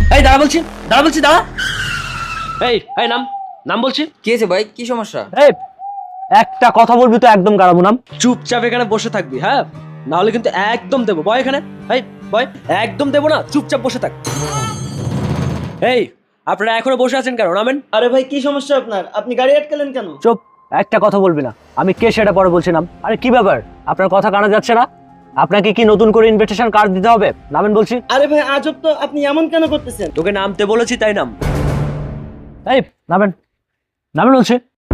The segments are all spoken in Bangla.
এই দাঁড়া বলছি, দাঁড়া বলছি, দাঁড়া। এই এই নাম, নাম বলছি। কি হয়েছে ভাই, কি সমস্যা? এই একটা কথা বলবি তো একদম গাড়াবো নাম। চুপচাপ এখানে বসে থাকবি, হ্যাঁ, না হলে কিন্তু একদম দেবো। বয় এখানে, এই বয়, একদম দেবো না, চুপচাপ বসে থাক। এই আপনারা এখনো বসে আছেন কেন? নামেন। আরে ভাই কি সমস্যা আপনার? আপনি গাড়ি আটকালেন কেন? চুপ, একটা কথা বলবি না। আমি কে সেটা পরে বলছিলাম। আরে কি ব্যাপার, আপনার কথা কানা যাচ্ছে না? আপনাকে কি নতুন করে ইনভিটেশন কার্ড দিতে হবে? নামেন বলছি। আরে ভাই আজব তো, আপনি এমন কেন করতেছেন? তোকে নামতে বলেছি তাই নাম। এই নামেন, নামেন বলছি।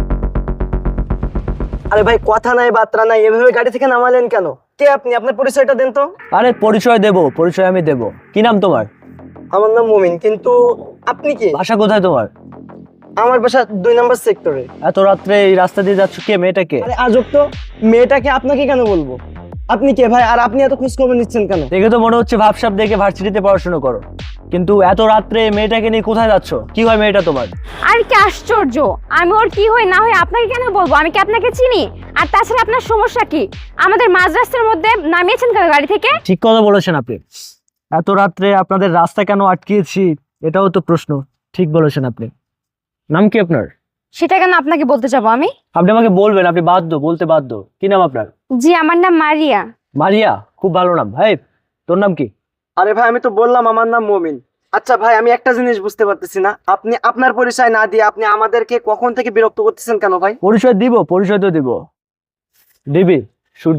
আরে ভাই কথা নাই বার্তা নাই, এভাবে গাড়ি থেকে নামালেন কেন? কে আপনি? আপনার পরিচয়টা দেন তো। আরে পরিচয় দেবো, পরিচয় আমি দেবো। কি নাম তোমার? আমার নাম মুমিন, কিন্তু আপনি কি? বাসা কোথায় তোমার? আমার বাসা 2 নম্বর সেক্টরে। এত রাত্রে এই রাস্তা দিয়ে যাচ্ছ, কে মেয়েটাকে? আরে আজব তো, মেয়েটাকে আপনাকে কেন বলবো? আপনি কে ভাই? আর আপনি এত খোঁজ খবর নিচ্ছেন কেন? দেখে তো মনে হচ্ছে ভাবসাব দেখে ভার্সিটিতে পড়াশোনা করো, কিন্তু এত রাত্রে মেয়েটাকে নিয়ে কোথায় যাচ্ছ? কি হয় মেয়েটা তোমার? আর কি আশ্চর্য, আমি ওর কি হয় না হয় আপনাকে কেন বলবো? আমি কি আপনাকে চিনি? আর তাছাড়া আপনার সমস্যা কি? আমাদের মাঝ রাস্তার মধ্যে নামিয়েছেন কেন গাড়ি থেকে? ঠিক কথা বলেছেন আপনি। এত রাত্রে আপনাদের রাস্তা কেন আটকিয়েছি, এটাও তো প্রশ্ন। ঠিক বলেছেন আপনি। নাম কি আপনার? সেটা কেন আপনাকে বলতে যাবো আমি? আপনি আমাকে বলবেন, আপনি বাধ্য, বলতে বাধ্য। কি নাম আপনার? জি, আমার নাম মারিয়া। মারিয়া, খুব ভালো নাম। ভাই তোর নাম কি? আরে ভাই আমি তো বললাম আমার নাম মুমিন। আচ্ছা ভাই, আমি একটা জিনিস বুঝতে পারতেছি না, আপনি আপনার পরিচয় না দিয়ে আপনি আমাদেরকে কখন থেকে বিরক্ত করতেছেন কেন ভাই? পরিচয় দিব, পরিচয় তো দিব। DB Surya,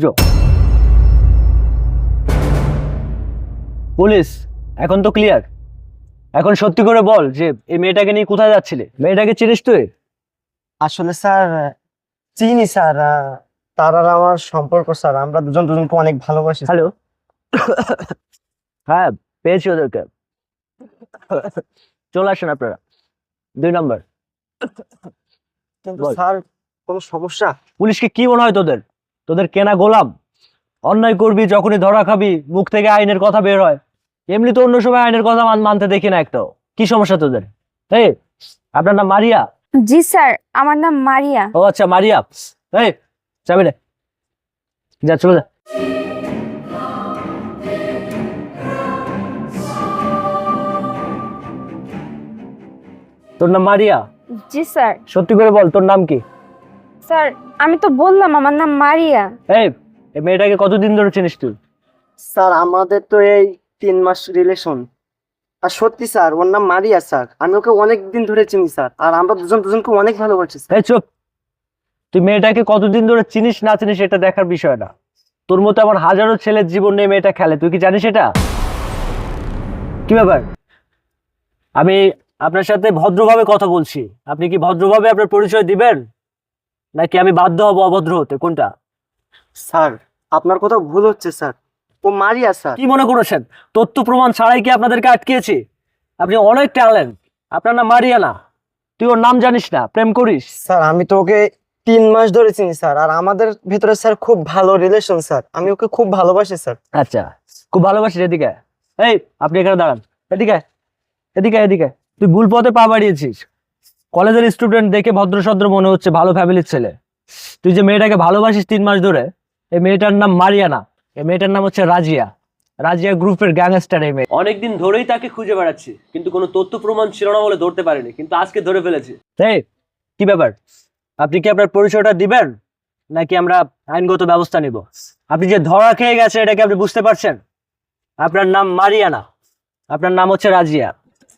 police. এখন তো ক্লিয়ার। এখন সত্যি করে বল যে এই মেয়েটাকে নিয়ে কোথায় যাচ্ছিলে? মেয়েটাকে চিনিস তুই? আসলে স্যার চিনি স্যার, তার আর আমার সম্পর্ক স্যার, আমরা দুজন দুজনকে অনেক ভালোবাসি। হ্যালো। হ্যাঁ, পেয়েছি ওদেরকে। চলে আসেন আপনারা 2 নম্বর। কিন্তু বল। স্যার কোনো সমস্যা? পুলিশকে কি মনে হয় তোদের? তোদের কেনা গোলাম? অন্যায় করবি, যখনই ধরা খাবি মুখ থেকে আইনের কথা বের হয়। এমনি তো অন্য সময় আইনের কথা মানতে দেখি না একটাও। কি সমস্যা তোদের? এই আপনার নাম মারিয়া? জি স্যার, আমার নাম মারিয়া। ও আচ্ছা, মারিয়া। এই চাবি রে, যা চলে যা। তোর নাম মারিয়া? জি স্যার। সত্যি করে বল, তোর নাম কি? স্যার আমি তো বললাম আমার নাম মারিয়া। এই এই মেয়েটাকে কতদিন ধরে চিনিস তুই? স্যার আমাদের তো এই 3 মাস রিলেশন। আর সত্যি স্যার ওর নাম মারিয়া স্যার, আমি ওকে অনেক দিন ধরে চিনি স্যার, আর আমরা দুজন দুজনকে অনেক ভালোবাসি স্যার। এই চুপ। তুই মেয়েটাকে কতদিন ধরে চিনিস না চিনিস এটা দেখার বিষয় না। তোর মতো আমার হাজারো ছেলের জীবন নিয়ে মেয়েটা খেলে, তুই কি জানিস এটা? কি ব্যাপার? আমি আপনার সাথে ভদ্রভাবে কথা বলছি, আপনি কি ভদ্রভাবে আপনার পরিচয় দিবেন, নাকি আমি বাধ্য হব অভদ্র হতে? কোনটা? স্যার আপনার কথা ভুল হচ্ছে স্যার, ও মারিয়া স্যার। কি মনে করেছেন তথ্য প্রমাণ ছাড়াই কি আপনাদেরকে আটকিয়েছি? আপনি অনেক ট্যালেন্ট, আপনার নাম মারিয়া না। তুই ওর নাম জানিস না, প্রেম করিস? স্যার আমি তো ওকে 3 মাস ধরে চিনি স্যার, আর আমাদের ভেতরে স্যার খুব ভালো রিলেশন স্যার, আমি ওকে খুব ভালোবাসি স্যার। আচ্ছা, খুব ভালোবাসিস। এদিকে এই, আপনি এখানে দাঁড়ান। এদিকে এদিকে এদিকে। তুই ভুল পথে পা বাড়িয়েছিস। কলেজের স্টুডেন্ট দেখে ভদ্রসদ্র মনে হচ্ছে, ভালো ফ্যামিলির ছেলে। তুই যে মেয়েটাকে ভালোবাসিস 3 মাস ধরে, এই মেয়েটার নাম মারিয়া না, এই মেয়েটার নাম হচ্ছে রাজিয়া। রাজিয়া গ্রুপের গ্যাংস্টার এই মেয়ে। অনেকদিন ধরেই তাকে খুঁজে বেড়াচ্ছি, কিন্তু কোনো তথ্য প্রমাণ ছিল না বলে ধরতে পারিনি, কিন্তু আজকে ধরে ফেলেছি। এই কি ব্যাপার? আপনি কি আপনার পরিচয়টা দিবেন, নাকি আমরা আইনগত ব্যবস্থা নিব? আপনি যে ধরা খেয়ে গেছে এটা কি আপনি বুঝতে পারছেন? আপনার নাম মারিয়া না, আপনার নাম হচ্ছে রাজিয়া।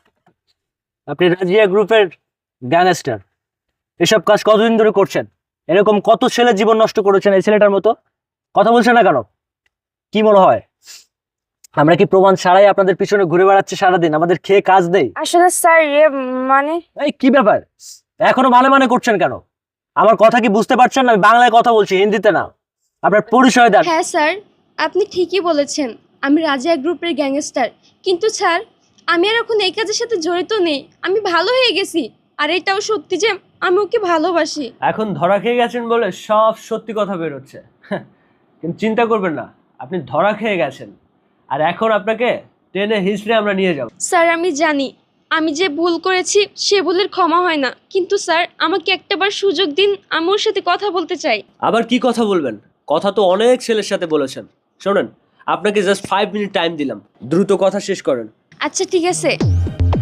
আপনি রাজিয়া গ্রুপের গ্যাংস্টার। এসব কাজ কতদিন ধরে করছেন? এরকম কত ছেলে জীবন নষ্ট করেছেন এই ছেলেটার মতো? কথা বলছেন না কেন? কি মনে হয় আমরা কি প্রমাণ ছাড়াই আপনাদের পিছনে ঘুরে বেড়াচ্ছি সারাদিন? আমাদের খেয়ে কাজ দেই? আসলে স্যার মানে এই কি ব্যাপার, এখনো মানে করছেন কেন? আমার কথা কি বুঝতে পারছেন না? আমি বাংলায় কথা বলছি, হিন্দিতে না। আপনার পরিচয় দেন। হ্যাঁ স্যার, আপনি ঠিকই বলেছেন, আমি রাজিয়া গ্রুপের গ্যাংস্টার। কিন্তু স্যার আমি আর এখন এই কাজের সাথে জড়িত নেই, আমি ভালো হয়ে গেছি। আর এটাও সত্যি যে আমি ওকে ভালোবাসি। এখন ধরা খেয়ে গেছেন বলে সব সত্যি কথা বেরোচ্ছে। কিন্তু চিন্তা করবেন না, আপনি ধরা খেয়ে গেছেন, আর এখন আপনাকে টেনে হিস্ট্রি আমরা নিয়ে যাব। স্যার আমি জানি আমি যে ভুল করেছি সে ভুলের ক্ষমা হয় না, কিন্তু স্যার আমাকে একটাবার সুযোগ দিন, আমি ওর সাথে কথা বলতে চাই। আবার কি কথা বলবেন? কথা তো অনেক ছেলের সাথে বলেছেন। শোনেন, আপনাকে জাস্ট 5 মিনিট টাইম দিলাম, দ্রুত কথা শেষ করেন। আচ্ছা ঠিক আছে।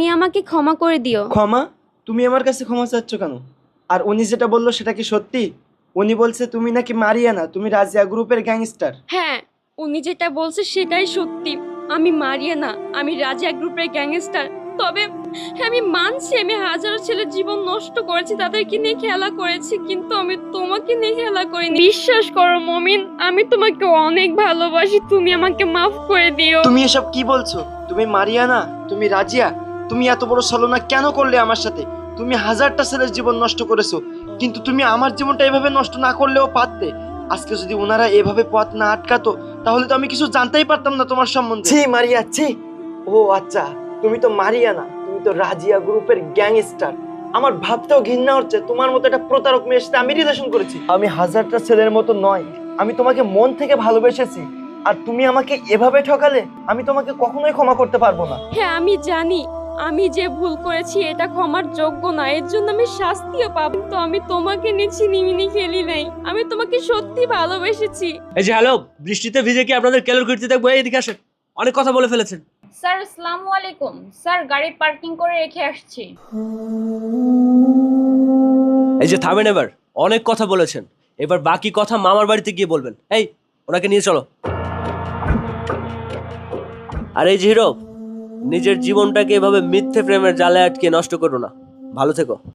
তুমি আমাকে ক্ষমা করে দিও। ক্ষমা? তুমি আমার কাছে ক্ষমা চাচ্ছ কেন? আর উনি যেটা বললো সেটা কি সত্যি? উনি বলছে তুমি নাকি মারিয়ানা, তুমি রাজিয়া গ্রুপের গ্যাংস্টার। হ্যাঁ, উনি যেটা বলছে সেটাই সত্যি। আমি মারিয়ানা, আমি রাজিয়া গ্রুপের গ্যাংস্টার। তবে আমি মানছি আমি হাজারো ছেলের জীবন নষ্ট করেছি, তাদেরকে নিয়ে খেলা করেছি, কিন্তু আমি তোমাকে নিয়ে খেলা করিনি। বিশ্বাস করো মমিন, আমি তোমাকে অনেক ভালোবাসি, তুমি আমাকে মাফ করে দিও। তুমি এসব কি বলছো? তুমি মারিয়ানা, তুমি রাজিয়া, তুমি এত বড় ছলনা কেন করলে আমার সাথে? তুমি হাজারটা ছেলের জীবন নষ্ট করেছো, কিন্তু তুমি আমার জীবনটা এভাবে নষ্ট না করলেও পারতে। আজকে যদি ওনারা এভাবে পথ না আটকাতো তাহলে তো আমি কিছু জানতেই পারতাম না তোমার সম্বন্ধে। ছি মারিয়া, ছি। ও আচ্ছা, তুমি তো মারিয়ানা, তুমি তো রাজিয়া গ্রুপের গ্যাংস্টার। আমার ভাবতেও ঘৃণা হচ্ছে তোমার মতো একটা প্রতারক মেয়ের সাথে আমি রিলেশন করেছি। আমি হাজারটা ছেলের মতো নয়, আমি তোমাকে মন থেকে ভালোবেসেছি, আর তুমি আমাকে এভাবে ঠকালে আমি তোমাকে কখনোই ক্ষমা করতে পারবো না। হ্যাঁ, আমি জানি আমি যে ভুল করেছি এটা ক্ষমার যোগ্য না, এর জন্য আমি শাস্তিও পাবো। তো আমি তোমাকে নিয়ে ছিনিমিনি খেলি নাই, আমি তোমাকে সত্যি ভালোবেসেছি। এই যে হ্যালো, বৃষ্টিতে ভিজে কি আপনাদের কেলোর কীর্তি দেখবো? এইদিকে আসেন, অনেক কথা বলে ফেলেছেন। স্যার আসসালামু আলাইকুম। স্যার গাড়ি পার্কিং করে রেখে আসছি। এই যে থামেন, এবার অনেক কথা বলেছেন, এবার বাকি কথা মামার বাড়িতে গিয়ে বলবেন। এই, ওনাকে নিয়ে চলো। আর এই যে হিরো, নিজের জীবনটাকে এভাবে মিথ্যে প্রেমের জালে আটকে নষ্ট করো না। ভালো থেকো।